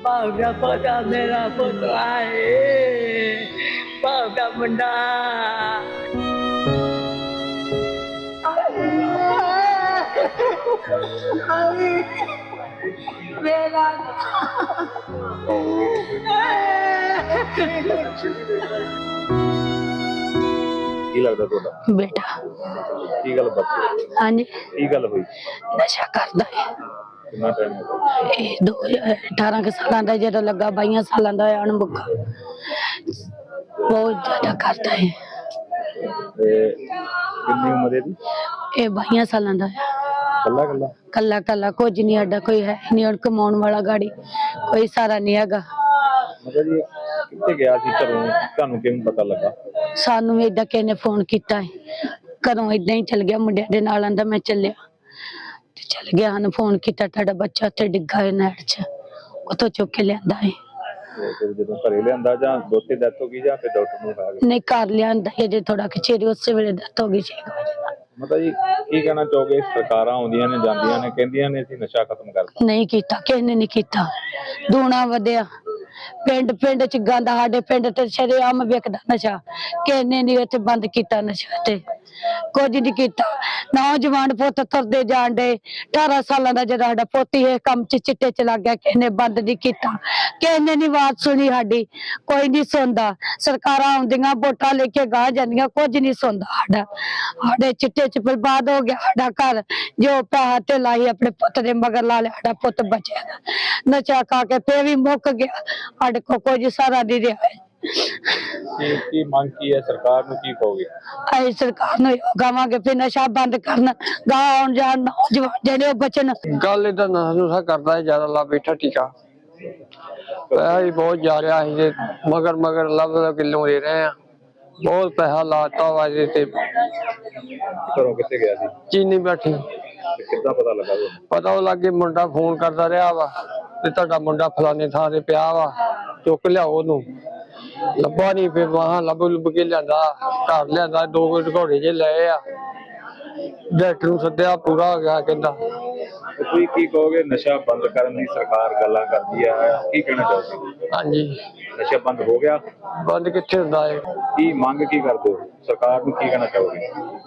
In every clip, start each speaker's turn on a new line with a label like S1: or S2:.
S1: भावना पोता मेरा पुतला है, भावना मुंडा मेरा
S2: ਕੀ ਲੱਗਦਾ ਤੁਹਾਡਾ
S3: बेटा।
S2: ਕੀ ਗੱਲ ਬਾਤ
S3: हाँ जी,
S2: ਕੀ ਗੱਲ ਹੋਈ
S3: नशा करता है।
S2: ਕਿੰਨਾ ਟਾਈਮ ਹੋ ਗਿਆ
S3: ये 2018 के साल का जो लगा 22 साल का अणमुखा बहुत ज्यादा करता है।
S2: ਤੇ ਕਿੰਨੀ ਉਮਰ ਹੈ ਦੀ
S3: ये 22 साल का है।
S2: ਕੱਲਾ ਕੱਲਾ
S3: कला कला कुछ नहीं साडा कोई है नहीं, और कमाने वाला गाड़ी कोई सारा नहीं हैगा।
S2: ਮਤਲਬ ਜੀ ਕਿੱਥੇ ਗਿਆ ਸੀ ਘਰੋਂ ਤੁਹਾਨੂੰ ਕਿਵੇਂ ਪਤਾ ਲੱਗਾ
S3: सानू भी इदा किसी ने फोन किया है, घरों इदा ही चल गया, मुंडे दे नाल आंदा मैं चलिया ते चल गया। हाँ फोन किया तुहाडा बच्चा उत्थे डिग्गा है नहर च, उतो चुक के लियांदा है।
S2: ਤੇ ਫਿਰ ਜਦੋਂ ਘਰੇ ਲਿਆਂਦਾ ਜਾਂ ਦੋਤੇ ਡੈਥ ਹੋ ਗਈ ਜਾਂ ਫਿਰ ਡਾਕਟਰ ਨੂੰ ਖਾ ਗਏ
S3: नहीं घर लियांदा है जे थोड़ा खिचेरी उस वेले डेथ हो गई 6 बजे।
S2: ਮਤਲਬ ਜੀ ਕੀ ਕਹਿਣਾ ਚਾਹੋਗੇ ਸਰਕਾਰਾਂ ਆਉਂਦੀਆਂ ਨੇ ਜਾਂਦੀਆਂ ਨੇ ਕਹਿੰਦੀਆਂ ਨੇ ਅਸੀਂ ਨਸ਼ਾ ਖਤਮ ਕਰਤਾ
S3: नहीं किया किसी ने नहीं किया, दूना वधिया पिंड पिंड च गंद, साडे पिंड ते शरेआम विकदा नशा, किसी ने नहीं इत्थे बंद किया नशा ते कुछ नहीं किया। नौजवान पुत तुरदे जान डे, 18 साल का जरा साडा पुत ही काम च चिट्टे च लग गया, किसी ने बंद नहीं किया, किसी ने नहीं बात सुनी साडी, कोई नहीं सुनदा। सरकारां आउंदियां वोटां लेके गाह जांदियां, कुछ नहीं सुनदा साडा, साडे चिट्टे च बर्बाद हो गया साडा घर। जो पैसा ढेला ही अपने पुत दे मगर ला लिया, साडा पुत बचया नशा खा के फिर भी मुक गया, साडे को कुछ सारा नहीं रहा।
S2: ਕੀ ਮੰਗ ਕੀ ਹੈ ਸਰਕਾਰ ਨੂੰ ਕੀ ਕਹੋਗੇ
S3: ਅਸੀਂ ਸਰਕਾਰ ਨੂੰ ਕਹਾਂਗੇ ਵੀ ਨਸ਼ਾ ਬੰਦ ਕਰਨ, ਗਾਂ ਆਉਣ ਜਾਣ ਨੌਜਵਾਨ ਜਿਹੜੇ ਬਚਣ।
S4: ਗੱਲ ਇਹਦਾ ਨਸ਼ਾ ਕਰਦਾ ਹੈ, ਜ਼ਿਆਦਾ ਲਾ ਬੈਠਾ ਟੀਕਾ ਪੈਸਾ ਵੀ ਬਹੁਤ ਜਾ ਰਿਹਾ ਸੀ ਤੇ ਮਗਰ ਮਗਰ ਲੱਭ ਕਿਲੋ ਦੇ ਰਹੇ ਆ, ਬਹੁਤ ਪੈਸਾ ਲਾਤਾ ਵਾ ਇਹਦੇ ਤੇ।
S2: ਘਰੋਂ ਕਿੱਥੇ ਗਿਆ ਸੀ
S4: ਚੀਨੀ ਬੈਠੀ
S2: ਤੇ ਕਿੱਦਾਂ ਪਤਾ ਲੱਗਾ ਤੁਹਾਨੂੰ
S4: ਪਤਾ ਉਹ ਲੱਗੇ ਮੁੰਡਾ ਫੋਨ ਕਰਦਾ ਰਿਹਾ ਵਾ ਤੇ ਤੁਹਾਡਾ ਮੁੰਡਾ ਫਲਾਣੇ ਥਾਂ ਤੇ ਪਿਆ ਵਾ, ਚੁੱਕ ਲਿਆਓ ਉਹਨੂੰ। ਲੱਭਾ ਨਹੀਂ, ਫਿਰ ਵਾਹਾਂ ਲੱਭ ਲੁੱਭ ਕੇ ਲਿਆਂਦਾ, ਘਰ ਲਿਆਂਦਾ, 2 ਘੋੜੇ ਜੇ ਲਏ ਆ, ਡਾਕਟਰ ਨੂੰ ਸੱਦਿਆ, ਪੂਰਾ ਹੋ ਗਿਆ ਕਹਿੰਦਾ।
S2: ਤੇ ਤੁਸੀਂ ਕੀ ਕਹੋਗੇ ਨਸ਼ਾ ਬੰਦ ਕਰਨ ਦੀ ਸਰਕਾਰ ਗੱਲਾਂ ਕਰਦੀ ਆ, ਕੀ ਕਹਿਣਾ ਚਾਹੋਗੇ
S4: ਹਾਂਜੀ,
S2: ਨਸ਼ਾ ਬੰਦ ਹੋ ਗਿਆ
S4: ਬੰਦ ਕਿੱਥੇ ਹੁੰਦਾ ਹੈ?
S2: ਕੀ ਮੰਗ ਕੀ ਕਰਦੇ ਹੋ ਸਰਕਾਰ ਨੂੰ ਕੀ ਕਹਿਣਾ ਚਾਹੋਗੇ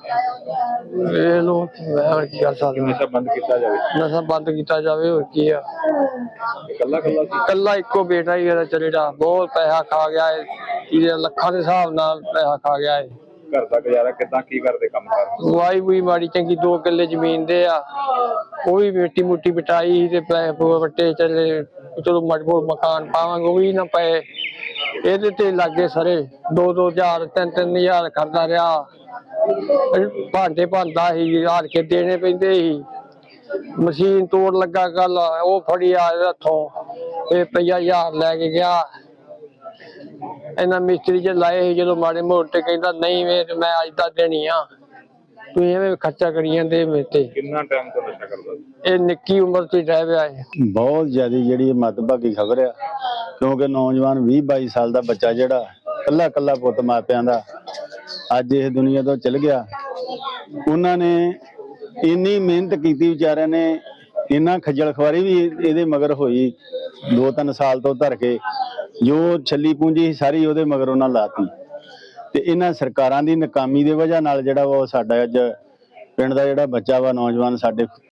S4: ਇਹ ਲੋ ਮੈਂ ਹੁਣ ਕੀ ਕਰ
S2: ਕਿ
S4: ਸਕਦਾ,
S2: ਨਸ਼ਾ ਬੰਦ ਕੀਤਾ ਜਾਵੇ
S4: ਨਸ਼ਾ ਬੰਦ ਕੀਤਾ ਜਾਵੇ, ਹੋਰ ਕੀ ਆ।
S2: ਇਕੱਲਾ ਇਕੱਲਾ ਸੀ
S4: ਕੱਲਾ ਇੱਕੋ ਬੇਟਾ ਹੀ ਇਹਦਾ ਚਲੇੜਾ, ਬਹੁਤ ਪੈਸਾ ਖਾ ਗਿਆ ਹੈ, ਇਹਦੇ ਲੱਖਾਂ ਦੇ ਹਿਸਾਬ ਨਾਲ ਪੈਸਾ ਖਾ ਗਿਆ ਹੈ।
S2: ਘਰ ਦਾ ਗੁਜ਼ਾਰਾ ਕਿੱਦਾਂ ਕੀ ਕਰਦੇ ਕੰਮ ਕਰ
S4: ਵਾਈ ਵੀ ਮਾੜੀ ਚੰਗੀ 2 ਕਿੱਲੇ ਜ਼ਮੀਨ ਦੇ ਆ, ਉਹ ਵੀ ਮਿੱਟੀ ਮੁੱਟੀ ਬਿਟਾਈ ਤੇ ਪੈਸੇ ਵੱਟੇ ਚੱਲੇ, ਚਲੋ ਮਜਬੂਰ ਮਕਾਨ ਪਾਵਾਂਗੇ, ਉਹ ਵੀ ਨਾ ਪਏ। ਇਹਦੇ ਤੇ ਲੱਗੇ ਸਾਰੇ 2-2 ਹਜ਼ਾਰ 3-3 ਹਜ਼ਾਰ ਕਰਦਾ ਰਿਹਾ, ਭਾਂਡੇ ਭੰਦਾ ਸੀ, ਹਾਰ ਕੇ ਦੇਣੇ ਪੈਂਦੇ ਸੀ। ਮਸ਼ੀਨ ਤੋੜ ਲੱਗਾ ਕੱਲ, ਉਹ ਫੜੀ ਆ ਹੱਥੋਂ, ਇਹ ਪਈਆ 1000 ਲੈ ਕੇ ਗਿਆ। ਇਹਨਾਂ ਮਿਸਤਰੀ ਚ ਲਾਏ ਸੀ, ਜਦੋਂ ਮਾੜੇ ਮੋਟੇ ਕਹਿੰਦਾ ਨਹੀਂ ਵੇ ਮੈਂ ਅੱਜ ਦਾ ਦੇਣੀ ਆ, ਤੁਸੀਂ ਐਵੇਂ ਖਰਚਾ ਕਰੀ ਜਾਂਦੇ ਮੇਰੇ ਤੇ।
S2: ਕਿੰਨਾ ਟਾਈਮ ਤੋਂ ਨਸ਼ਾ ਕਰਦਾ ਸੀ
S4: ਇਹ ਨਿੱਕੀ ਉਮਰ ਚ ਰਹਿ ਪਿਆ ਹੈ।
S5: ਬਹੁਤ ਜ਼ਿਆਦਾ ਜਿਹੜੀ ਮੱਦਭਾਗੀ ਖਬਰ ਆ, ਕਿਉਂਕਿ ਨੌਜਵਾਨ 20-22 ਸਾਲ ਦਾ ਬੱਚਾ ਜਿਹੜਾ ਕੱਲਾ ਕੱਲਾ ਪੁੱਤ ਮਾਪਿਆਂ ਦਾ ਅੱਜ ਇਸ ਦੁਨੀਆ ਤੋਂ ਚਲ ਗਿਆ। ਉਹਨਾਂ ਨੇ ਇੰਨੀ ਮਿਹਨਤ ਕੀਤੀ ਵਿਚਾਰਿਆਂ ਨੇ, ਇੰਨਾ ਖੱਜਲ ਖਵਾਰੀ ਵੀ ਇਹਦੇ ਮਗਰ ਹੋਈ 2-3 ਸਾਲ ਤੋਂ ਧਰ ਕੇ, ਜੋ ਛੱਲੀ ਪੂੰਜੀ ਸਾਰੀ ਉਹਦੇ ਮਗਰ ਉਹਨਾਂ ਲਾਤੀ। ਤੇ ਇਹਨਾਂ ਸਰਕਾਰਾਂ ਦੀ ਨਾਕਾਮੀ ਦੀ ਵਜ੍ਹਾ ਨਾਲ ਜਿਹੜਾ ਵਾ ਉਹ ਸਾਡਾ ਅੱਜ ਪਿੰਡ ਦਾ ਜਿਹੜਾ ਬੱਚਾ ਵਾ ਨੌਜਵਾਨ ਸਾਡੇ